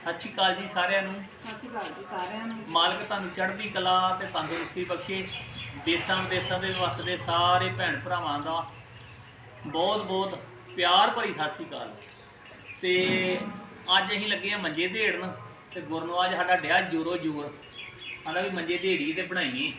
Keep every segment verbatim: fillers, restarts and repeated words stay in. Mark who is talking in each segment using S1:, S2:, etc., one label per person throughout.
S1: ਸਤਿ ਸ਼੍ਰੀ ਅਕਾਲ ਜੀ ਸਾਰਿਆਂ ਨੂੰ।
S2: ਸਤਿ ਸ਼੍ਰੀ ਅਕਾਲ ਜੀ ਸਾਰਿਆਂ ਨੂੰ।
S1: ਮਾਲਕ ਤੁਹਾਨੂੰ ਚੜ੍ਹਦੀ ਕਲਾ ਤੇ ਤੰਦਰੁਸਤੀ ਬਖਸ਼ੇ। ਦੇਸਾਂ ਵਿਦੇਸਾਂ ਦੇ ਵਸਦੇ ਸਾਰੇ ਭੈਣ ਭਰਾਵਾਂ ਦਾ ਬਹੁਤ ਬਹੁਤ ਪਿਆਰ ਭਰੀ ਸਤਿ ਸ਼੍ਰੀ ਅਕਾਲ। ਤੇ ਅੱਜ ਅਸੀਂ ਲੱਗੇ ਆ ਮੰਜੇ ਢੇੜਨ ਤੇ ਗੁਰਨਵਾਜ ਸਾਡਾ ਡਿਆ ਜੋਰੋ ਜੋਰ ਆਂਦਾ ਵੀ ਮੰਜੇ ਢੇੜੀ ਤੇ ਬਣਾਈਏ।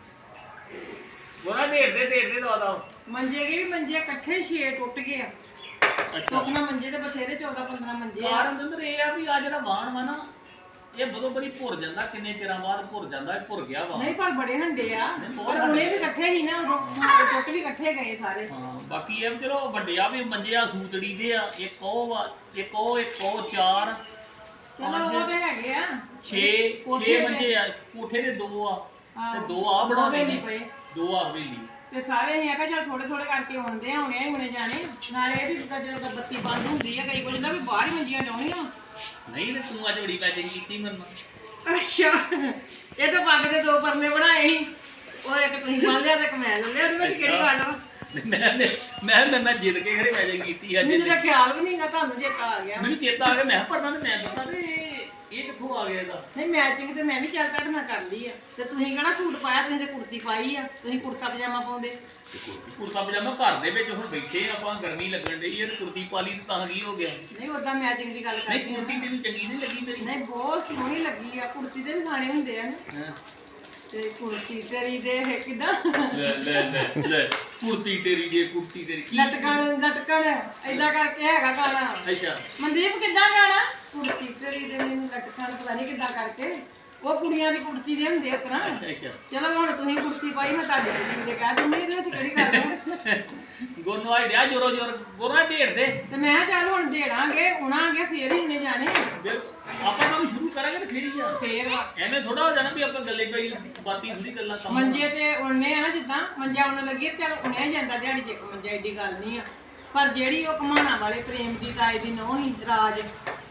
S1: ਗੁਰਨਾ ਢੇੜਦੇ ਢੇੜਦੇ ਦਵਾ ਦਾ
S2: ਮੰਜੇ ਗਏ ਵੀ ਮੰਜੇ ਇਕੱਠੇ ਛੇ ਟੁੱਟ ਗਏ ਆ। ਟੁੱਟਣਾ ਮੰਜੇ ਤੇ ਬਥੇਰੇ ਚੌਦਾਂ ਪੰਦਰਾਂ ਮੰਜੇ ਆ।
S1: ਕਾਰਨ ਅੰਦਰ ਇਹ ਆ ਵੀ ਆ ਜਿਹੜਾ ਵਾਹਣ ਵਾ ਨਾ ਇਹ ਬਦੋ ਬੜੀ ਭੁਰ ਜਾਂਦਾ, ਕਿੰਨੇ ਚਿਰਾਂ ਬਾਅਦ ਭੁਰ ਜਾਂਦਾ। ਇਹ ਭੁਰ ਗਿਆ ਵਾ
S2: ਨਹੀਂ ਪਰ ਬੜੇ ਹੰਡੇ ਆ, ਪਰ ਉਹਨੇ ਵੀ ਇਕੱਠੇ ਹੀ ਨਾ ਉਦੋਂ ਟੁੱਟ ਵੀ ਇਕੱਠੇ ਗਏ ਸਾਰੇ।
S1: ਹਾਂ ਬਾਕੀ ਇਹ ਚਲੋ ਵੱਡੇ ਆ ਵੀ ਮੰਜੇ ਆ ਸੂਤੜੀ ਦੇ ਆ। ਇੱਕ ਉਹ ਵਾ, ਇੱਕ ਉਹ ਇੱਕ ਉਹ ਚਾਰ
S2: ਚਲੋ ਉਹ ਤੇ ਹੈਗੇ ਆ
S1: ਛੇ ਛੇ ਮੰਜੇ ਆ। ਕੋਠੇ ਦੇ ਦੋ ਆ ਤੇ ਦੋ ਆ ਬਣਾਵੇ ਨਹੀਂ ਪਏ, ਦੋ ਆ ਹਵੇਲੀ
S2: ਤੇ ਸਾਰੇ ਨਹੀਂ ਆਖਿਆ ਚੱਲ ਥੋੜੇ ਥੋੜੇ ਕਰਕੇ ਆਉਂਦੇ ਆ, ਹੁਣੇ ਹੁਣੇ ਜਾਣੇ। ਨਾਲੇ ਇਹ ਵੀ ਜਦੋਂ ਬੱਤੀ ਬੰਦ ਹੁੰਦੀ ਆ ਕਈ ਵਾਰੀ ਦਾ ਵੀ ਬਾਹਰ ਹੀ ਮੰਜੀਆਂ ਡਾਉਣੀਆਂ।
S1: ਨਹੀਂ ਤੇ ਤੂੰ ਅੱਜ ਬੜੀ ਪੈਕਿੰਗ ਕੀਤੀ ਮੈਨੂੰ।
S2: ਅੱਛਾ ਇਹ ਤਾਂ ਪੱਗ ਦੇ ਦੋ ਪਰਨੇ ਬਣਾਏ ਸੀ, ਉਹ ਇੱਕ ਤੁਸੀਂ ਬੰਨ ਲਿਆ ਤੇ ਇੱਕ ਮੈਂ ਲੈ ਲਿਆ। ਉਹਦੇ ਵਿੱਚ ਕਿਹੜੀ ਗੱਲ ਵਾ?
S1: ਮੈਂ ਮੈਂ ਮੈਂ ਮੈਂ ਜਿੱਦ ਕੇ ਘਰੇ ਪੈਕਿੰਗ ਕੀਤੀ ਅੱਜ।
S2: ਮੈਨੂੰ ਤਾਂ ਖਿਆਲ ਵੀ ਨਹੀਂਗਾ, ਤੁਹਾਨੂੰ ਚੇਤਾ ਆ ਗਿਆ।
S1: ਮੈਨੂੰ ਚੇਤਾ ਆ ਗਿਆ, ਮੈਂ ਪੜਨਾ ਤੇ ਮੈਂ ਦੱਸਾਂ ਤੇ ਇਹ ਕਿੱਥੋਂ ਆ ਗਿਆ ਇਹਦਾ।
S2: ਨਹੀਂ ਮੈਚਿੰਗ ਤੇ ਮੈਂ ਵੀ ਚੱਲ ਤੁਹਾਡੇ ਨਾਲ ਕਰ ਲਈ ਆ। ਤੇ ਤੁਸੀਂ ਕਹਿਣਾ ਸੂਟ ਪਾਇਆ, ਤੁਸੀਂ ਤੇ ਕੁੜਤੀ ਪਾਈ ਆ, ਤੁਸੀਂ ਕੁੜਤਾ ਪਜਾਮਾ ਪਾਉਂਦੇ।
S1: ਕੁੜਤਾ ਪਜਾਮਾ ਘਰ ਦੇ ਵਿੱਚ ਹੁਣ ਬੈਠੇ ਆਪਾਂ, ਗਰਮੀ ਲੱਗਣ ਡਈ ਹੈ, ਕੁੜਤੀ ਪਾ ਲਈ ਤਾਂ ਕੀ ਹੋ ਗਿਆ?
S2: ਨਹੀਂ ਉਦਾਂ ਮੈਚਿੰਗ ਦੀ ਗੱਲ
S1: ਨਹੀਂ
S2: ਕਰਦੀ
S1: ਕੁੜਤੀ ਤੈਨੂੰ ਚੰਗੀ ਨਹੀਂ ਲੱਗੀ ਤੇਰੀ?
S2: ਨਹੀਂ ਬਹੁਤ ਸੋਹਣੀ ਲੱਗੀ ਆ। ਕੁੜਤੀ ਦੇ ਵੀ ਗਾਣੇ ਹੁੰਦੇ ਆ ਨਾ,
S1: ਹਾਂ
S2: ਤੇ ਕੁੜਤੀ ਤੇਰੀ ਦੇ ਕਿਦਾਂ
S1: ਲੈ ਲੈ ਲੈ ਲੈ ਕੁੜਤੀ ਤੇਰੀ ਜੇ ਕੁੜਤੀ ਤੇਰੀ ਕੀ
S2: ਲਟਕਣ ਲਟਕਣ ਏਦਾਂ ਕਰਕੇ ਹੈਗਾ ਗਾਣਾ।
S1: ਅੱਛਾ
S2: ਮਨਦੀਪ ਕਿੱਦਾਂ ਗਾਣਾ? ਕੁੜਤੀ ਤੇਰੀ ਦੇ ਮੈਨੂੰ ਲਟਕਣ ਪਤਾ ਨਹੀਂ ਕਿੱਦਾਂ ਕਰਕੇ। ਉਹ ਕੁੜੀਆਂ ਦੀ ਕੁੜਤੀ ਦੇ ਹੁੰਦੇ ਉਤਰਾ।
S1: ਅੱਛਾ
S2: ਚਲੋ ਹੁਣ ਤੁਸੀਂ ਕੁੜਤੀ ਪਾਈ, ਮੈਂ ਤੁਹਾਡੀ ਕੁੜਤੀ ਦੇ ਕਹਿ ਦਿੰਦੀ। ਇਹਦੇ ਵਿੱਚ ਕਿਹੜੀ ਗੱਲ ਹੈ?
S1: ਗੁਰਨਵਾਜ ਡਿਆ ਜੋਰੋ ਜੋਰ ਗੋਰਾ ਢੇੜ ਦੇ।
S2: ਤੇ ਮੈਂ ਕਿਹਾ ਚੱਲ ਹੁਣ ਦੇੜਾਂਗੇ ਉਣਾਂਗੇ ਫੇਰ ਹੀ ਇਹਨੇ ਜਾਣੇ।
S1: ਆਪਾਂ ਕੰਮ ਸ਼ੁਰੂ ਕਰਾਂਗੇ ਤੇ ਫੇਰ ਹੀ ਆ।
S2: ਫੇਰ ਵਾ
S1: ਐਵੇਂ ਥੋੜਾ ਹੋ ਜਾਣਾ ਵੀ ਆਪਾਂ ਗੱਲੇ ਪਈ ਬਾਤੀ ਥੋੜੀ ਗੱਲਾਂ ਕੰਮ।
S2: ਮੰਜੇ ਤੇ ਉਣਨੇ ਆ ਨਾ, ਜਿੱਦਾਂ ਮੰਜਾ ਉਣ ਲੱਗੀ ਚੱਲ ਉਣਿਆ ਹੀ ਜਾਂਦਾ ਦਿਹਾੜੀ ਚ ਇੱਕ ਮੰਜਾ, ਏਡੀ ਗੱਲ ਨਹੀਂ ਆ। ਪਰ ਜਿਹੜੀ ਉਹ ਘਮਾਣਾ ਵਾਲੇ ਪ੍ਰੇਮ ਦੀ ਤਾਏ ਦੀ ਨੋਹ ਹੀ ਰਾਜ,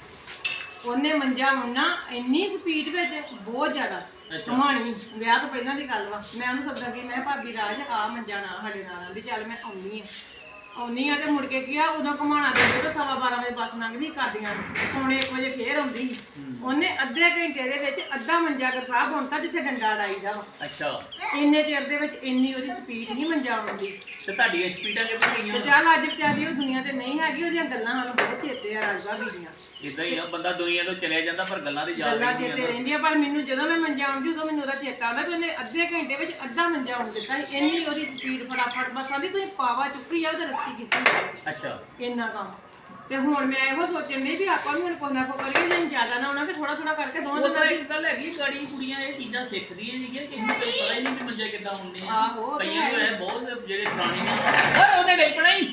S2: ਉਹਨੇ ਮੰਜਾ ਉਣਨਾ ਇੰਨੀ ਸਪੀਡ ਵਿੱਚ ਬਹੁਤ ਜ਼ਿਆਦਾ ਘਮਾਣੀ। ਵਿਆਹ ਤੋਂ ਪਹਿਲਾਂ ਦੀ ਗੱਲ ਵਾ। ਮੈਂ ਉਹਨੂੰ ਸੱਦਾ ਕਿ ਮੈਂ ਭਾਬੀ ਰਾਜ ਆ ਮੰਜਾ ਨਾ ਸਾਡੇ ਨਾਲ ਆਂਦੀ, ਚੱਲ ਮੈਂ ਆਉਣੀ ਆ ਆਉਣੀ ਆ ਤੇ ਮੁੜ ਕੇ ਕੀ ਆ ਉਦੋਂ ਘਮਾਣਾ ਦੇ ਤੇ ਸਵਾ ਬਾਰਾਂ ਵਜੇ ਬੱਸ ਲੰਘਦੀ ਕਰਦੀਆਂ, ਪੌਣੇ ਇੱਕ ਵਜੇ ਫੇਰ ਆਉਂਦੀ। ਉਹਨੇ ਅੱਧੇ ਘੰਟੇ ਦੇ ਵਿੱਚ ਅੱਧਾ ਮੰਜਾ ਕਰ ਸਾਹਿਬ ਹੁੰਦਾ ਜਿੱਥੇ ਡੰਡਾ ਡਾਈਦਾ ਵਾ।
S1: ਅੱਛਾ
S2: ਇੰਨੇ ਚਿਰ ਦੇ ਵਿੱਚ ਇੰਨੀ ਉਹਦੀ ਸਪੀਡ ਨਹੀਂ ਮੰਜਾ ਆਉਂਦੀ।
S1: ਤੇ ਤੁਹਾਡੀਆਂ ਸਪੀਡਾਂ ਕਿੱਥੇ
S2: ਤੇ
S1: ਗਈਆਂ?
S2: ਚੱਲ ਅੱਜ ਵਿਚਾਰੀ ਉਹ ਦੁਨੀਆ ਤੇ ਨਹੀਂ ਹੈਗੀ, ਉਹਦੀਆਂ ਗੱਲਾਂ ਸਾਨੂੰ ਬਹੁਤ ਚੇਤੇ ਆ ਰਾਜ ਭਾਬੀ ਦੀਆਂ।
S1: ਇਦਾਂ ਹੀ ਆ, ਬੰਦਾ ਦੁਨੀਆ ਤੋਂ ਚਲਿਆ ਜਾਂਦਾ ਪਰ ਗੱਲਾਂ ਦੀ ਯਾਦ
S2: ਗੱਲਾਂ
S1: ਰਹਿੰਦੀਆਂ
S2: ਚੇਤੇ ਰਹਿੰਦੀਆਂ। ਪਰ ਮੈਨੂੰ ਜਦੋਂ ਮੈਂ ਮੰਜਾ ਆਉਂਦੀ ਉਦੋਂ ਮੈਨੂੰ ਉਹਦਾ ਚੇਤਾ ਆਉਂਦਾ ਕਿ ਉਹਨੇ ਅੱਧੇ ਘੰਟੇ ਵਿੱਚ ਅੱਧਾ ਮੰਜਾ ਆਉਣ ਦਿੱਤਾ ਸੀ। ਇੰਨੀ ਉਹਦੀ ਸਪੀਡ ਫਟਾਫਟ ਬਸ ਆਂਦੀ ਤੁਸੀਂ ਪਾਵਾ ਚੁੱਕੀ ਜਾਓ ਤੇ ਰੱਸੀ ਕੀਤੀ ਜਾਓ।
S1: ਅੱਛਾ
S2: ਇੰਨਾ ਕੰਮ। ਤੇ ਹੁਣ ਮੈਂ ਇਹੋ ਸੋਚਣ ਡਈ ਵੀ ਆਪਾਂ ਵੀ ਹੁਣ ਕੋਈ ਨਾ ਕੋਈ ਕਰੀਏ, ਜੇ ਜ਼ਿਆਦਾ ਨਾ ਹੋਣਾ ਕਿ ਥੋੜਾ ਥੋੜਾ ਕਰਕੇ ਦੋਵਾਂ
S1: ਉਹ
S2: ਦਿਨਾਂ
S1: ਤਾਂ
S2: ਚ।
S1: ਇੱਕ ਗੱਲ ਹੈਗੀ, ਗਾੜੀ ਕੁੜੀਆਂ ਇਹ ਚੀਜ਼ਾਂ ਸਿੱਖਦੀਆਂ ਨੇਗੀਆਂ, ਕਿਸੇ ਨੂੰ ਕੋਈ ਪਤਾ ਹੀ ਨਹੀਂ ਵੀ ਮੰਜੇ ਕਿੱਦਾਂ ਹੁੰਦੇ ਆ।
S2: ਆਹੋ, ਉਹ ਤਾਂ
S1: ਕਈਆਂ ਨੂੰ
S2: ਹੈ।
S1: ਇਹ ਬਹੁਤ ਜਿਹੜੇ ਪੁਰਾਣੀਆਂ ਓਏ ਉਹਦੇ ਡੇਪਣਾ ਹੀ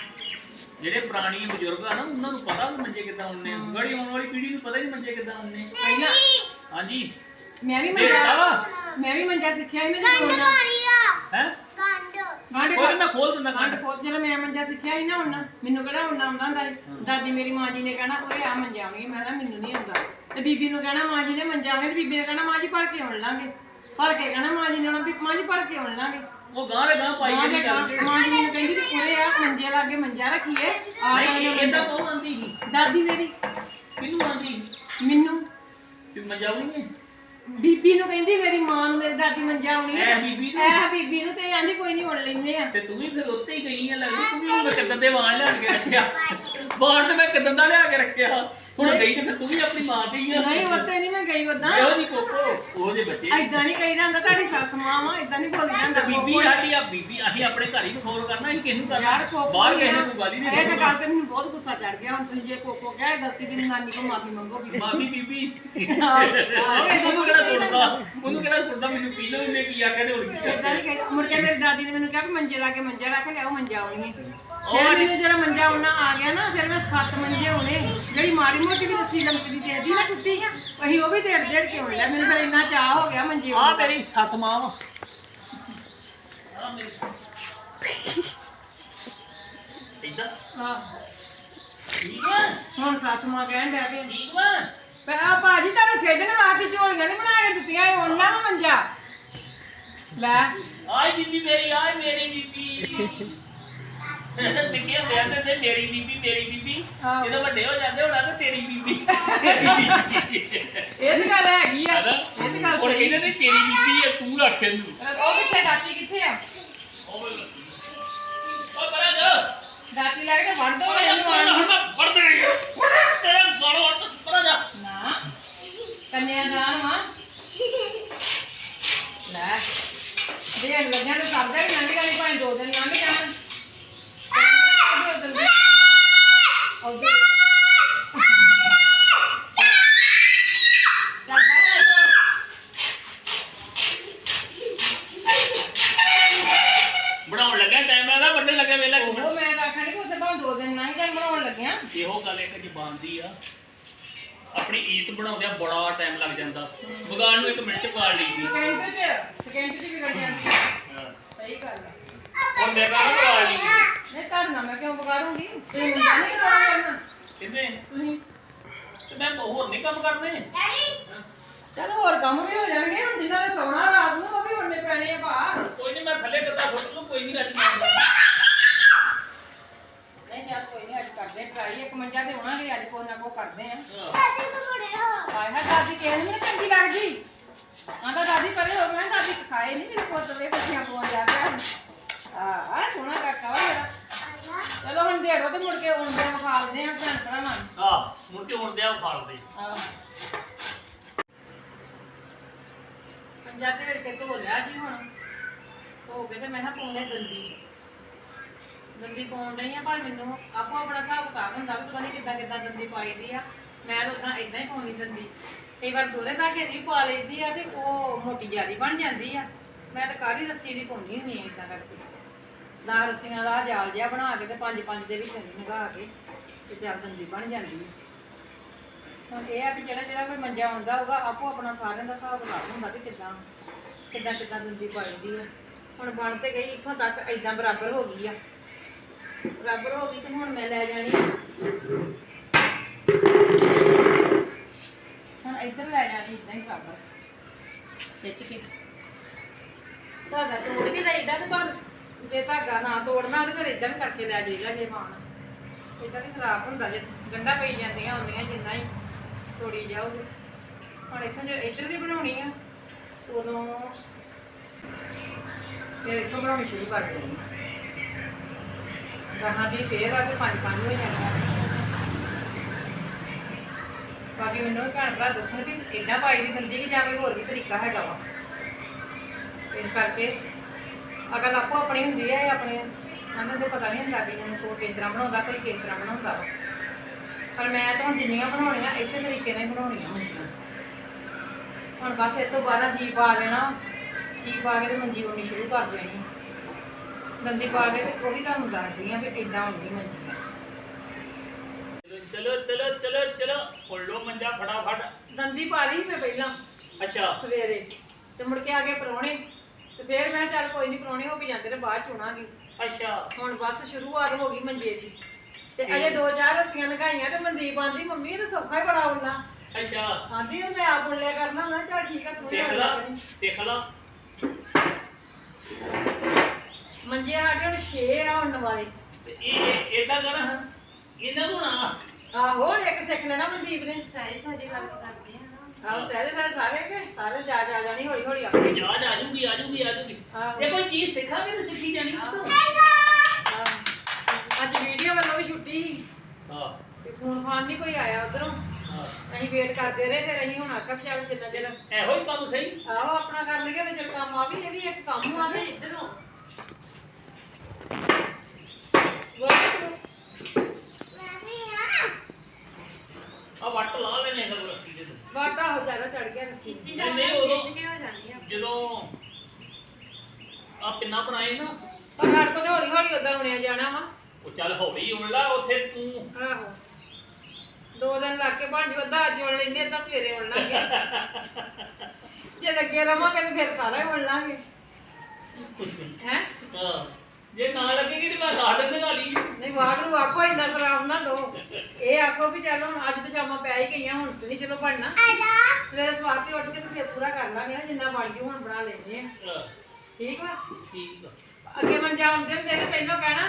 S1: ਜਿਹੜੇ ਪੁਰਾਣੀ ਬਜ਼ੁਰਗ ਆ ਨਾ, ਉਹਨਾਂ ਨੂੰ ਪਤਾ ਵੀ ਮੰਜੇ ਕਿੱਦਾਂ ਹੁੰਦੇ ਆ। ਗਾੜੀ ਆਉਣ ਵਾਲੀ ਪੀੜ੍ਹੀ ਨੂੰ ਪਤਾ ਹੀ ਨਹੀਂ ਮੰਜੇ ਕਿੱਦਾਂ ਹੁੰਦੇ ਆ।
S2: ਪਹਿਲਾਂ
S1: ਹਾਂਜੀ
S2: ਮੈਂ ਵੀ
S1: ਦੇਖਦਾ
S2: ਮੰਜਾ
S1: ਵਾ
S2: ਮੈਂ ਵੀ ਮੰਜਾ ਸਿੱਖਿਆ ਸੀ ਨਾ ਜਦੋਂ ਉਹਨਾਂ
S1: ਹੈ
S2: ਗਾਂਢ
S1: ਕੋਈ ਮੈਂ ਖੋਲ ਦਿੰਦਾ
S2: ਗਾਂਢ
S1: ਗੰਢ।
S2: ਖੋਲ। ਜਦੋਂ ਮੈਂ ਮੰਜਾ ਸਿੱਖਿਆ ਸੀ ਨਾ ਉਹਨਾਂ, ਮੈਨੂੰ ਕਿਹੜਾ ਉਹਨਾਂ ਆਉਂਦਾ ਹੁੰਦਾ ਸੀ। ਦਾਦੀ ਮੇਰੀ ਮਾਂ ਜੀ ਨੇ ਕਹਿਣਾ ਓਏ ਆ ਮੰਜਾ ਆਉਣੀ, ਮੈਂ ਕਿਹਾ ਮੈਨੂੰ ਨਹੀਂ ਆਉਂਦਾ। ਤੇ ਬੀਬੀ ਨੂੰ ਕਹਿਣਾ ਮਾਂ ਜੀ ਨੇ ਮੰਜਾ ਆਉਣੀ, ਤੇ ਬੀਬੀ ਨੇ ਕਹਿਣਾ ਮਾਂ ਜੀ ਭਲ ਕੇ ਆਉਣ ਲਾਂਗੇ। ਭਲ ਕੇ ਕਹਿਣਾ ਮਾਂ ਜੀ ਨੇ ਆਉਣਾ ਵੀ ਮਾਂ ਜੀ ਭਲ ਕੇ ਆਉਣ ਲਾਂਗੇ।
S1: ਉਹ ਗਾਂ ਦੇ ਗਾਂ ਪਾਈ
S2: ਮਾਂ
S1: ਜਾਂਦੀ
S2: ਦੇ
S1: ਗੱਲ।
S2: ਗਾਂ- ਮਾਂ ਜੀ ਮੈਨੂੰ ਕਹਿੰਦੀ ਵੀ ਉਰੇ ਆ ਮੰਜੇ ਲਾਗੇ ਮੰਜਾ ਰੱਖੀਏ ਆ
S1: ਨਹੀਂ
S2: ਜਾਈਏ।
S1: ਇਹਦਾ ਕੌਣ ਆਂਦੀ ਸੀ?
S2: ਦਾਦੀ ਮੇਰੀ
S1: ਕਿਹਨੂੰ ਆਂਦੀ
S2: ਮੈਨੂੰ
S1: ਤੇ ਮੰਜਾ ਆਉਣੀ ਹੈ?
S2: ਬੀਬੀ ਨੂੰ ਕਹਿੰਦੀ, ਮੇਰੀ ਮਾਂ ਨੂੰ ਮੇਰੀ ਦਾਦੀ ਮੰਜਾ ਆਉਣੀ
S1: ਐ ਬੀਬੀ ਨੂੰ?
S2: ਐ ਬੀਬੀ ਨੂੰ। ਤੇ ਆਂਦੀ ਕੋਈ ਨਹੀਂ ਉੜ ਲੈਂਦੇ ਆ।
S1: ਤੇ ਤੂੰ ਵੀ ਫਿਰ ਉੱਤੇ ਹੀ ਗਈ ਆ ਲੱਗਦੀ। ਤੂੰ ਵੀ ਹੁਣ ਕਿੱਦਾਂ ਦੇ ਵਾਣ ਲਿਆ ਕੇ ਰੱਖਿਆ? ਵਾਣ ਤੇ ਮੈਂ ਕਿੱਦਾਂ ਦਾ ਲਿਆ ਕੇ ਰੱਖਿਆ? ਹੁਣ ਗਈ ਤੇ ਫਿਰ ਤੂੰ ਵੀ ਆਪਣੀ ਮਾਂ ਦੀ ਆ।
S2: ਨਹੀਂ ਉੱਤੇ ਨਹੀਂ ਮੈਂ ਗਈ ਉਦਾਂ।
S1: ਇਹੋ ਜੀ ਕੋਕੋ ਉਹਦੇ ਬੱਚੇ
S2: ਏਦਾਂ ਨਹੀਂ ਕਹੀਦਾ ਹੁੰਦਾ, ਤੁਹਾਡੀ ਸੱਸ ਮਾਂ ਵਾ, ਏਦਾਂ ਨਹੀਂ ਬੋਲੀਦਾ ਹੁੰਦਾ।
S1: ਬੀਬੀ ਸਾਡੀ ਆ ਬੀਬੀ, ਅਸੀਂ ਆਪਣੇ ਘਰ ਹੀ ਖੋਰ ਕਰਨਾ, ਅਸੀਂ ਕਿਸ ਨੂੰ ਕਰਨਾ?
S2: ਯਾਰ ਕੋਕੋ
S1: ਬਾਹਰ ਕਿਸੇ ਨੂੰ ਕੋਈ ਗੱਲ ਹੀ
S2: ਇਹ
S1: ਨਹੀਂ।
S2: ਤਾਂ ਗੱਲ ਤੇ ਮੈਨੂੰ ਬਹੁਤ ਗੁੱਸਾ ਚੜ ਗਿਆ। ਹੁਣ ਤੁਸੀਂ ਜੇ ਕੋਕੋ ਕਿਹਾ ਇਹ ਗਲਤੀ ਦੀ ਨਾਨੀ ਕੋ ਮਾਫੀ ਮੰਗੋ ਵੀ।
S1: ਮਾਮੀ ਬੀਬੀ
S2: ਆਹੋ, ਏਦਾਂ
S1: ਉਹਨੂੰ ਕਿਹੜਾ ਸੁਣਦਾ ਉਹਨੂੰ ਕਿਹੜਾ ਸੁਣਦਾ ਮੈਨੂੰ ਪੀ ਲਓ ਉਹਨੇ ਕੀ ਆਖਿਆ ਤੇ ਹੁਣ ਕੀ
S2: ਏਦਾਂ ਨਹੀਂ
S1: ਕਰਦੇ?
S2: ਕਹੀਦਾ। ਮੁੜ ਕੇ ਮੇਰੀ ਦਾਦੀ ਨੇ ਮੈਨੂੰ ਕਿਹਾ ਵੀ ਮੰਜੇ ਲਾ ਕੇ ਮੰਜਾ ਰੱਖ ਲਿਆਓ, ਮੰਜਾ ਆਉਣੀ ਹੈ। ਫਿਰ ਮੈਨੂੰ ਜਿਹੜਾ ਮੰਜਾ ਆਉਣਾ ਆ ਗਿਆ ਨਾ, ਫਿਰ ਮੈਂ ਸੱਤ ਮੰਜੇ ਹੋਣੇ, ਜਿਹੜੀ ਮਾੜੀ ਮੋਟੀ ਵੀ ਰੱਸੀ ਲੰਕਦੀ ਦੇਦੀ ਨਾ ਟੁੱਟੀ ਆ, ਅਸੀਂ ਉਹ ਵੀ ਡੇਢ ਡੇਢ ਕੇ ਹੋਣ ਲਿਆ। ਮੈਨੂੰ ਫਿਰ ਇੰਨਾ ਚਾਹ ਹੋ ਗਿਆ ਮੰਜੇ
S1: ਆ ਮੇਰੀ ਸੱਸ ਮਾਂ ਵਾ। ਇਦਾਂ
S2: ਹਾਂ
S1: ਠੀਕ ਵਾ?
S2: ਹੁਣ ਸੱਸ ਮਾਂ ਕਹਿਣ ਡਿਆ ਕਿ
S1: ਠੀਕ ਵਾ?
S2: ਆ ਭਾਜੀ ਤੁਹਾਨੂੰ ਖੇਡਣ ਵਾਸਤੇ ਝੋਲੀਆਂ ਨਹੀਂ ਬਣਾ ਕੇ ਦਿੱਤੀਆਂ, ਇਹ ਉਹਨਾਂ ਨੂੰ ਮੰਜਾ ਲੈ।
S1: ਆਏ ਬੀਬੀ ਮੇਰੀ, ਆਏ ਮੇਰੀ ਬੀਬੀ। ਨਿੱਕੇ ਹੁੰਦੇ ਆਂਦੇ ਤੇ ਮੇਰੀ ਬੀਬੀ ਮੇਰੀ ਬੀਬੀ
S2: ਆਹੋ।
S1: ਜਦੋਂ ਵੱਡੇ ਹੋ ਜਾਂਦੇ ਹੋਣਾ ਤੇ ਤੇਰੀ ਬੀਬੀ
S2: ਇਹ ਤਾਂ ਗੱਲ ਹੈਗੀ ਆ
S1: ਹੈਨਾ
S2: ਇਹ ਤਾਂ ਗੱਲ
S1: ਹੁਣ
S2: ਸਹੀ
S1: ਕਹਿੰਦੇ ਨੇ ਤੇਰੀ ਬੀਬੀ ਹੈ ਤੂੰ ਰੱਖ ਇਹਨੂੰ
S2: ਉਹ ਕਿੱਥੇ ਦਾਤੀ ਕਿੱਥੇ ਆ
S1: ਉਹ ਉਹ ਪਰਾਂ ਜਾ
S2: ਦਾਤੀ ਲੱਗ ਕੇ ਵੜ ਦੋ
S1: ਪਰਾਂ ਜਾ
S2: ਇਹਨੂੰ
S1: ਹੁਣ
S2: ਆਣ
S1: ਮੈਂ ਫੜ ਦੇਣੀ ਤੇਰਾ ਗਾਲੋਂ ਹੱਟ ਪਰਾਂ ਜਾ
S2: ਨਾ ਕੰਨਿਆਦਾਨ ਵਾ ਲੈ ਦੇਣ ਲੱਗਿਆ ਨੂੰ ਕਰਦਾ ਹੀ ਨਵੀਂ ਗਾਲੀ ਭਾਵੇਂ ਦੋ ਦਿਨ ਲੰਘ ਜਾਣ ਉਧਰ ਚੱਲ ਬਾਹਰ
S1: ਬਣਾਉਣ ਲੱਗਾ ਟਾਈਮ ਹੈਗਾ ਵੱਡੇ ਲੱਗੇ ਵੇਲਾ
S2: ਉਹ ਮੈਂ ਤਾਂ ਆਖਣ ਕਿ ਉੱਥੇ ਭਾਵੇਂ ਦੋ ਦਿਨ ਲੰਘ ਜਾਣ ਬਣਾਉਣ ਲੱਗਿਆ
S1: ਇਹੋ ਗੱਲ ਇੱਕ ਜ਼ਬਾਨ ਦੀ ਆ ਆਪਣੀ ਈਤ ਬਣਾਉਂਦਿਆਂ ਬੜਾ ਟਾਈਮ ਲੱਗ ਜਾਂਦਾ ਵਿਗਾੜ ਨੂੰ ਇੱਕ ਮਿੰਟ ਚ ਵਿਗਾੜ ਲਈਦੀ
S2: ਸਕਿੰਟ ਚ ਸਕਿੰਟ ਚ ਵੀ ਕੱਢ ਜਾਂਦੀ
S1: ਹਾਂ
S2: ਸਹੀ ਗੱਲ ਆ
S1: ਹੁਣ ਮੇਰੇ ਨਾਲ ਵਿਗਾੜ ਲਈ
S2: ਨਹੀਂ ਧਰਨਾ ਮੈਂ ਕਿਉਂ ਵਿਗਾੜੂੰਗੀ ਤੁਸੀਂ ਮੁੰਡਾ ਨਹੀਂ ਕਰਾਉਣਾ
S1: ਕਿੰਨੇ
S2: ਤੁਸੀਂ
S1: ਤੇ ਮੈਂ ਹੋਰ ਨਹੀਂ ਕੰਮ ਕਰਨੇ
S2: ਚਲ ਹੋਰ ਕੰਮ ਵੀ ਹੋ ਜਾਣਗੇ ਹੁਣ ਜਿਨ੍ਹਾਂ ਨੇ ਸੌਣਾ ਰਾਤ ਨੂੰ ਉਹ ਵੀ ਹੁੰਨੇ ਪੈਣੇ ਆ ਭਾ
S1: ਕੋਈ ਨਹੀਂ ਮੈਂ ਥੱਲੇ ਕਿੱਦਾਂ ਫੁੱਟ ਲੂ ਕੋਈ ਨਹੀਂ ਰੱਜ
S2: ਨਹੀਂ ਚੱਲ ਕੋਈ ਨਹੀਂ ਅੱਜ ਕਰਦੇ ਟਰਾਈ ਇੱਕ ਮੰਜਾ ਤੇ ਹੋਣਾਗੇ ਅੱਜ ਕੋਈ ਨਾ ਕੋ ਕਰਦੇ ਆ
S1: ਹਾਂ
S2: ਹਾਏ ਹਾਏ ਦਾਦੀ ਕਹਿਣ ਨਹੀਂ ਚੰਗੀ ਲੱਗਦੀ ਆਂਦਾ ਦਾਦੀ ਪਹਿਲੇ ਹੋ ਗਿਆ ਦਾਦੀ ਖਾਏ ਨਹੀਂ ਮੇਰੇ ਪੁੱਤ ਦੇ ਬੱਚਿਆਂ ਕੋਲ ਜਾ ਕੇ ਆ ਆ ਸੋਹਣਾ ਕਾਕਾ ਵਾ ਮੇਰਾ ਚਲੋ ਹੁਣ ਦੇੜੋ ਤੇ ਮੁੜ ਕੇ ਆਉਂਦੇ ਆ ਵਿਖਾਲਦੇ ਆ ਭੈਣ ਭਰਾਵਾਂ ਨੂੰ
S1: ਆਹ ਮੁੜ ਕੇ ਹੁਣ ਦਿਆ ਫਾਲ ਦੇ
S2: ਆਹ ਪੰਜਾਬੀ ਵੇੜ ਕੇ ਧੋ ਲਿਆ ਜੀ ਹੁਣ ਧੋ ਕੇ ਤੇ ਮੈਂ ਕਿਹਾ ਪਾਉਣੇ ਦੰਦੀ ਦੰਦੀ ਪਾਉਣ ਰਹੀ ਆ ਪਰ ਮੈਨੂੰ ਆਪੋ ਆਪਣਾ ਹਿਸਾਬ ਕਿਤਾਬ ਹੁੰਦਾ ਵੀ ਪਤਾ ਨਹੀਂ ਕਿੱਦਾਂ ਕਿੱਦਾਂ ਦੰਦੀ ਪਾਈਦੀ ਆ ਮੈਂ ਤਾਂ ਉਦਾਂ ਇਦਾਂ ਹੀ ਪਾਉਣੀ ਦੰਦੀ ਕਈ ਵਾਰ ਦੋਰੇ ਧਾਗੇ ਦੀ ਪਾ ਲਈਦੀ ਆ ਤੇ ਉਹ ਮੋਟੀ ਜਿਆਦੀ ਬਣ ਜਾਂਦੀ ਆ ਮੈਂ ਤਾਂ ਕਾਹਦੀ ਰੱਸੀ ਦੀ ਪਾਉਂਦੀ ਹੁੰਦੀ ਆ ਇਦਾਂ ਕਰਕੇ ਨਾ ਰੱਸੀਆਂ ਦਾ ਜਾਲ ਜਿਹਾ ਬਣਾ ਕੇ ਤੇ ਪੰਜ ਪੰਜ ਦੇ ਵਿੱਚ ਨਗਾ ਕੇ ਤੇ ਚੱਲ ਦੰਦੀ ਬਣ ਜਾਂਦੀ ਆ ਹੁਣ ਇਹ ਆ ਕਿ ਜਿਹੜਾ ਜਿਹੜਾ ਕੋਈ ਮੰਜਾ ਆਉਂਦਾ ਹੋਊਗਾ ਆਪੋ ਆਪਣਾ ਸਾਰਿਆਂ ਦਾ ਹਿਸਾਬ ਕਿਤਾਬ ਹੁੰਦਾ ਕਿ ਕਿੱਦਾਂ ਕਿੱਦਾਂ ਕਿੱਦਾਂ ਦੰਦੀ ਪਾਈਦੀ ਆ ਹੁਣ ਬਣ ਤੇ ਗਈ ਇੱਥੋਂ ਤੱਕ ਇਦਾਂ ਬਰਾਬਰ ਹੋ ਗਈ ਆ ਬਰਾਬਰ ਹੋ ਗਈ ਤੇ ਹੁਣ ਮੈਂ ਲੈ ਜਾਣੀ ਹੁਣ ਇੱਧਰ ਲੈ ਜਾਣੀ ਇਦਾਂ ਹੀ ਬਰਾਬਰ ਖਿੱਚ ਕੇ ਧਾਗਾ ਤੋੜ ਕੇ ਲਈਦਾ ਤੇ ਪਰ ਜੇ ਧਾਗਾ ਨਾ ਤੋੜਨਾ ਤੇ ਫਿਰ ਇਦਾਂ ਵੀ ਕਰਕੇ ਲੈ ਜਾਈਦਾ ਜੇ ਪਾਉਣਾ ਇਦਾਂ ਵੀ ਖਰਾਬ ਹੁੰਦਾ ਜੇ ਗੰਢਾਂ ਪਈ ਜਾਂਦੀਆਂ ਹੁੰਦੀਆਂ ਜਿੰਨਾ ਹੀ ਤੋੜੀ ਜਾਓਗੇ ਹੁਣ ਇੱਥੋਂ ਜੇ ਇੱਧਰ ਦੀ ਬਣਾਉਣੀ ਆ ਉਦੋਂ ਫਿਰ ਇੱਥੋਂ ਬਣਾਉਣੀ ਸ਼ੁਰੂ ਕਰ ਦੇਣੀ ਗਾਹਾਂ ਦੀ ਫੇਰ ਆ ਕੇ ਪੰਜ ਪੰਜ ਹੋ ਜਾਣਾ ਬਾਕੀ ਮੈਨੂੰ ਵੀ ਭੈਣ ਭਰਾ ਦੱਸਣ ਵੀ ਇੱਦਾਂ ਪਾਈ ਦੀ ਦੰਦੀ ਕਿ ਜਾਂ ਕੋਈ ਹੋਰ ਵੀ ਤਰੀਕਾ ਹੈਗਾ ਵਾ ਇਸ ਕਰਕੇ ਅਗਰ ਆਪੋ ਆਪਣੀ ਹੁੰਦੀ ਹੈ ਇਹ ਆਪਣੇ ਉਹਨਾਂ ਨੂੰ ਪਤਾ ਨਹੀਂ ਹੁੰਦਾ ਵੀ ਹੁਣ ਕੋਈ ਕਿਸ ਤਰ੍ਹਾਂ ਬਣਾਉਂਦਾ ਕੋਈ ਕਿਸ ਤਰ੍ਹਾਂ ਬਣਾਉਂਦਾ ਵਾ ਪਰ ਮੈਂ ਤਾਂ ਹੁਣ ਜਿੰਨੀਆਂ ਬਣਾਉਣੀਆਂ ਇਸੇ ਤਰੀਕੇ ਨਾਲ ਹੀ ਬਣਾਉਣੀਆਂ ਹੁੰਦੀਆਂ ਹੁਣ ਬਸ ਇਹ ਤੋਂ ਬਾਅਦ ਜੀ ਪਾ ਦੇਣਾ ਜੀ ਪਾ ਕੇ ਤੇ ਮੰਜੀ ਉਣੀ ਸ਼ੁਰੂ ਕਰ ਦੇਣੀ ਦੰਦੀ ਪਾ ਕੇ ਤੇ ਉਹ ਵੀ ਤੁਹਾਨੂੰ ਦੱਸਦੀ ਆ ਵੀ ਕਿੱਦਾਂ ਹੁੰਦੀ ਮੰਜੀ
S1: ਚਲੋ ਚਲੋ ਚਲੋ ਚਲੋ ਫੋਲੋ ਮੰਜਾ ਫਟਾਫਟ
S2: ਦੰਦੀ ਪਾ ਲਈ ਮੈਂ ਪਹਿਲਾਂ
S1: ਅੱਛਾ
S2: ਸਵੇਰੇ ਤੇ ਮੁੜ ਕੇ ਆ ਕੇ ਪਰੌਣੇ ਤੇ ਫਿਰ ਮੈਂ ਚੱਲ ਕੋਈ ਨਹੀਂ ਪਰੌਣੇ ਹੋ ਕੇ ਜਾਂਦੇ ਤੇ ਬਾਅਦ ਚੁਣਾਂਗੇ
S1: ਅੱਛਾ
S2: ਹੁਣ ਬਸ ਸ਼ੁਰੂਆਤ ਹੋ ਗਈ ਮੰਜੇ ਦੀ ਤੇ ਅਜੇ ਦੋ ਚਾਰ ਰੱਸੀਆਂ ਲਗਾਈਆਂ ਤੇ ਮਨਦੀਪ ਆਂਦੀ ਮੰਮੀ ਇਹ ਤਾਂ ਸੌਖਾ ਹੀ ਬੜਾ ਉੱਡਣਾ
S1: ਅੱਛਾ
S2: ਆਂਦੀ ਉਹ ਮੈਂ ਆਪ ਉੱਡਿਆ ਕਰਨਾ ਮੈਂ ਕਿਹਾ ਚੱਲ ਠੀਕ ਆ ਤੂੰ ਹੀ
S1: ਸਿੱਖ
S2: ਉੱਡ
S1: ਲਾ
S2: ਲਿਆ ਕਰੀਂ।
S1: ਸਿੱਖ ਲਾ
S2: ਮੰਜੇ ਸਾਡੇ ਹੁਣ ਛੇ ਆ ਹੁਣ ਵਾਲੇ
S1: ਤੇ ਇਹ ਇਦਾਂ ਕਰ ਇਹਨਾਂ ਨੂੰ ਨਾ
S2: ਆਹੋ ਹੁਣ ਇੱਕ ਸਿੱਖ ਲੈਣਾ ਮਨਦੀਪ ਨੇ
S3: ਸਾਰੇ ਸਾਡੀ ਗੱਲ ਕਰਦੇ ਆ ਨਾ
S2: ਆਹੋ ਸਾਰੇ ਸਾਰੇ ਸਾਰੇ ਕੇ ਸਾਰੇ ਜਾ ਜਾ ਜਾਣੀ ਹੌਲੀ ਹੌਲੀ ਆਪੇ
S1: ਜਾਜ ਆ ਜੂਗੀ ਆ ਜੂਗੀ ਆ ਜੂਗੀ
S2: ਆਹੋ।
S1: ਜੇ ਕੋਈ ਚੀਜ਼ ਸਿੱਖਾਂਗੇ ਤਾਂ ਸਿੱਖੀ ਜਾਣੀ ਕਿੱਥੋਂ
S2: ਆਹੋ। ਅੱਜ ਵੀਡੀਓ ਵੱਲੋਂ ਵੀ ਛੁੱਟੀ ਸੀ
S1: ਹਾਂ
S2: ਤੇ ਫੋਨ ਫਾਨ ਨਹੀਂ ਕੋਈ ਆਇਆ ਉਧਰੋਂ
S1: ਹਾਂ
S2: ਅਸੀਂ ਵੇਟ ਕਰਦੇ ਰਹੇ ਫਿਰ ਅਸੀਂ ਹੁਣ ਆਖਿਆ ਵੀ ਚੱਲ ਜਿੰਨਾ ਚਿਰ
S1: ਇਹੋ ਹੀ ਕੰਮ ਸਹੀ
S2: ਆਹੋ ਆਪਣਾ ਕਰ ਲਈਏ ਵੀ ਚੱਲ ਕੰਮ ਆ ਵੀ ਇਹ ਵੀ ਇੱਕ ਕੰਮ ਆ ਤੇ
S3: ਇਧਰੋਂ
S2: ਵਾਹਿਗੁਰੂ
S1: ਆ ਵੱਟ ਲਾ ਲੈਣੇ ਸਭ ਰੱਸੀ ਦੇ
S2: ਵਾਟਾ ਹੋ ਜ਼ਿਆਦਾ ਚੜ ਗਿਆ ਰੱਸੀ
S3: ਖਿੱਚੀ
S1: ਨਹੀਂ,
S3: ਜਾਂਦੀ
S1: ਨਹੀਂ, ਉਦੋਂ-
S3: ਖਿੱਚ ਕੇ ਹੋ ਜਾਂਦੀ ਆ
S1: ਜਦੋਂ ਆ ਪਿੰਨਾ ਬਣਾਏ ਨਾ
S2: ਪਰ ਹਰ ਕੋਲ ਹੌਲੀ ਹੌਲੀ ਉਦਾਂ ਹੁਣਿਆ ਜਾਣਾ ਵਾ
S1: ਉਹ ਚੱਲ ਹੌਲੀ ਉਣ ਲਾ ਉੱਥੇ ਤੂੰ
S2: ਆਹੋ ਦੋ ਦਿਨ ਲੱਗ ਕੇ ਬਣ ਜੂ ਅੱਧਾ ਅੱਜ ਉਣ ਲੈਂਦੇ ਤਾਂ ਸਵੇਰੇ ਉਣ ਲਾਂਗੇ ਜੇ ਲੱਗੇ ਰਵਾਂਗੇ ਤੇ ਫਿਰ ਸਾਰਾ ਹੀ ਉਣ ਲਾਂਗੇ ਹੈ
S1: ਹਾਂ ਜੇ ਨਾ ਲੱਗੇਗੀ ਤੇ ਮੈਂ ਦਸ ਦਿਨ ਲਗਾ ਲਈ
S2: ਨਹੀਂ ਵਾਗਰੂ ਆਖੋ ਇੰਨਾ ਖਰਾਬ ਨਾ ਦੋ ਇਹ ਆਖੋ ਵੀ ਚੱਲ ਹੁਣ ਅੱਜ ਤਾਂ ਸ਼ਾਮਾਂ ਪੈ ਹੀ ਗਈਆਂ ਹੁਣ ਤੇ ਨਹੀਂ ਚਲੋ ਬਣਨਾ ਸਵੇਰੇ ਸਵਾਰ ਕੇ ਉੱਠ ਕੇ ਤੇ ਫਿਰ ਪੂਰਾ ਕਰ ਲਾਂਗੇ ਨਾ ਜਿੰਨਾ ਬਣ ਜੂ ਹੁਣ ਬਣਾ ਲੈਂਦੇ ਆ
S1: ਹਾਂ,
S2: ਠੀਕ ਵਾ
S1: ਠੀਕ ਆ
S2: ਅੱਗੇ ਮੰਜਾ ਹੁੰਦੇ ਹੁੰਦੇ ਤੇ ਪਹਿਲਾਂ ਕਹਿਣਾ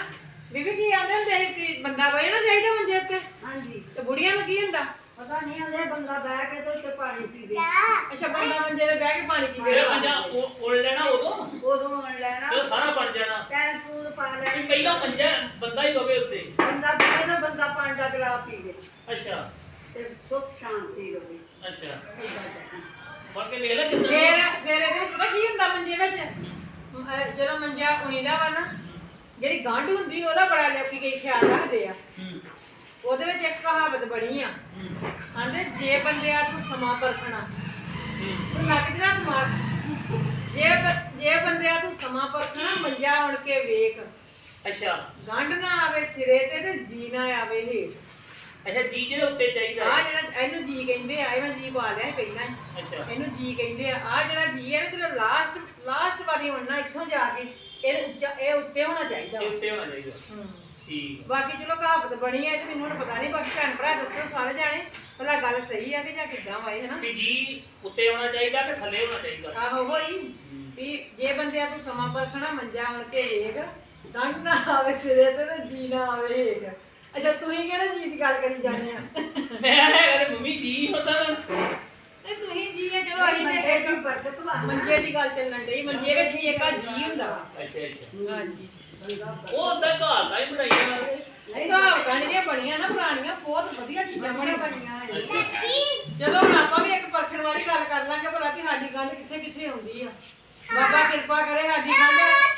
S2: ਬੀਬੀ ਕੀ ਆਂਦੇ ਹੁੰਦੇ ਸੀ ਕਿ ਬੰਦਾ ਬਹਿਣਾ ਚਾਹੀਦਾ ਮੰਜੇ ਉੱਤੇ
S3: ਹਾਂਜੀ
S2: ਤੇ ਬੁੜੀਆਂ ਨੂੰ ਕੀ ਹੁੰਦਾ
S3: ਪਤਾ ਨਹੀਂ ਹੁੰਦੇ ਬੰਦਾ ਬਹਿ ਕੇ ਤੇ ਉੱਤੇ ਪਾਣੀ ਪੀਵੇ
S2: ਅੱਛਾ ਬੰਦਾ ਮੰਜੇ ਤੇ ਬਹਿ ਕੇ ਪਾਣੀ ਪੀਵੇ
S1: ਫਿਰ ਮੰਜਾ ਉਹ ਉੜ ਲੈਣਾ ਉਦੋਂ
S3: ਉਦੋਂ ਮਣ ਲੈਣਾ
S1: ਜਦੋਂ ਸਾਰਾ ਬਣ ਜਾਣਾ
S3: ਟੈਨ ਫੂਲ ਪਾ
S1: ਵੀ
S3: ਲੈਣੀ
S1: ਪਹਿਲਾਂ ਮੰਜਾ ਬੰਦਾ ਹੀ ਪਵੇ ਉੱਤੇ
S3: ਬੰਦਾ ਬਹਿ ਨਾ ਬੰਦਾ ਪਾਣੀ ਦਾ ਗਲਾਸ ਪੀਵੇ
S1: ਅੱਛਾ
S3: ਤੇ ਸੁੱਖ ਸ਼ਾਂਤੀ ਰਵੇ
S1: ਅੱਛਾ
S3: ਏਦਾਂ ਕਹਿਣਾ।
S1: ਫੜ ਕੇ ਵੇਖ ਲੈ ਕਿੰਨਾ
S2: ਫੇਰ ਫੇਰ ਇਹਦੇ ਵਿੱਚ ਪਤਾ ਕੀ ਹੁੰਦਾ ਮੰਜੇ ਵਿੱਚ ਅਹ ਜਦੋਂ ਮੰਜਾ ਉਣੀਦਾ ਵਾ ਨਾ ਜਿਹੜੀ ਗੰਢ ਹੁੰਦੀ ਉਹਦਾ ਬੜਾ ਲੋਕੀ ਕਈ ਖਿਆਲ ਰੱਖਦੇ ਆ
S1: ਹੂੰ
S2: ਉਹਦੇ ਵਿੱਚ ਇੱਕ ਕਹਾਵਤ ਬਣੀ ਆ
S1: ਹੂੰ
S2: ਕਹਿੰਦੇ ਜੇ ਬੰਦਿਆ ਤੂੰ ਸਮਾਂ ਪਰਖਣਾ ਤੂੰ ਲੱਗ ਜਣਾ ਦਿਮਾਗ ਜੇ ਬ- ਜੇ ਬੰਦਿਆ ਤੂੰ ਸਮਾਂ ਪਰਖਣਾ ਮੰਜਾ ਉਣ ਕੇ ਵੇਖ
S1: ਅੱਛਾ
S2: ਗੰਢ ਨਾ ਆਵੇ ਸਿਰੇ ਤੇ ਤੇ ਜੀ ਨਾ ਆਵੇ ਹੇਠ
S1: ਅੱਛਾ ਜੀ ਜਿਹੜੇ ਉੱਤੇ ਚਾਹੀਦਾ
S2: ਆ
S1: ਹੈ।
S2: ਜਿਹੜਾ ਇਹਨੂੰ ਜੀ ਕਹਿੰਦੇ ਆ ਇਹ ਮੈਂ ਜੀ ਪਾ ਲਿਆ ਸੀ ਪਹਿਲਾਂ ਹੀ।
S1: ਅੱਛਾ
S2: ਇਹਨੂੰ ਜੀ ਕਹਿੰਦੇ ਆ ਆ ਜਿਹੜਾ ਜੀ ਹੈ ਨਾ ਜਿਹੜਾ ਲਾਸਟ ਲਾਸਟ ਵਾਰੀ ਹੋਣਾ ਇੱਥੋਂ ਜਾ ਕੇ ਇਹ ਉੱਚਾ ਇਹ ਉੱਤੇ ਹੋਣਾ ਚਾਹੀਦਾ
S1: ਇਹ
S2: ਵਾ।
S1: ਉੱਤੇ ਹੋਣਾ ਚਾਹੀਦਾ
S2: ਹੂੰ।
S1: ਠੀਕ ਆ।
S2: ਬਾਕੀ ਚਲੋ ਕਹਾਵਤ ਬਣੀ ਹੈ ਤੇ ਮੈਨੂੰ ਹੁਣ ਪਤਾ ਨਹੀਂ ਬਾਕੀ ਭੈਣ ਭਰਾ ਦੱਸੋ ਸਾਰੇ ਜਾਣੇ ਭਲਾ ਗੱਲ ਸਹੀ ਆ ਕਿ ਜਾਂ ਕਿੱਦਾਂ ਵਾਏ ਹਨਾ
S1: ਵੀ ਜੀ ਉੱਤੇ ਹੋਣਾ ਚਾਹੀਦਾ ਕਿ ਥੱਲੇ ਹੋਣਾ ਚਾਹੀਦਾ
S2: ਆਹੋ ਹੋਈ ਵੀ ਜੇ ਬੰਦਿਆ ਤੂੰ ਸਮਾਂ ਪਰਖਣਾ ਮੰਜਾ ਆਣ ਕੇ ਵੇਖ ਗੰਢ ਨਾ ਆਵੇ ਸਿਰੇ ਤੇ ਤੇ ਜੀ ਨਾ ਆਵੇ ਹੇਠ ਅੱਛਾ ਤੁਸੀਂ ਕਿਹੜਾ ਜੀ ਦੀ ਗੱਲ ਕਰੀ ਜਾਂਦੇ ਆ
S1: ਮੈਂ ਅਰੇ ਮੰਮੀ ਜੀ ਹੁੰਦਾ ਹੁਣ
S2: ਤੇ ਤੁਸੀਂ ਜੀ ਹੈ ਚਲੋ ਅਸੀਂ ਤੇ
S3: ਮੰਜੇ
S2: ਇੱਕ
S3: ਦੀ ਬਰਕਤ ਵਾ
S2: ਮੰਜੇ ਦੀ ਗੱਲ ਚੱਲਣ ਡਈ ਮੰਜੇ ਵਿੱਚ ਵੀ ਇੱਕ ਆ ਜੀ ਹੁੰਦਾ ਵਾ।
S1: ਅੱਛਾ ਅੱਛਾ
S2: ਹਾਂਜੀ
S1: ਉਹ ਹੁੰਦਾ ਘਰ ਦਾ ਹੀ ਬਣਾਈਆ
S2: ਕਹਾਵਤਾਂ ਜਿਹੜੀਆਂ ਬਣੀਆਂ ਨਾ ਪੁਰਾਣੀਆਂ ਬਹੁਤ ਵਧੀਆ ਚੀਜ਼ਾਂ
S3: ਬੜੀਆਂ
S2: ਬਣੀਆਂ
S3: ਬਣੀਆਂ ਹੋਈਆਂ।
S2: ਚਲੋ ਹੁਣ ਆਪਾਂ ਵੀ ਇੱਕ ਪਰਖਣ ਵਾਲੀ ਗੱਲ ਕਰ ਲਾਂਗੇ ਭਲਾ ਕਿ ਸਾਡੀ ਗੱਲ ਕਿੱਥੇ ਕਿੱਥੇ ਆਉਂਦੀ ਆ ਬਾਬਾ ਕਿਰਪਾ ਕਰੇ ਸਾਡੀ ਗੱਲ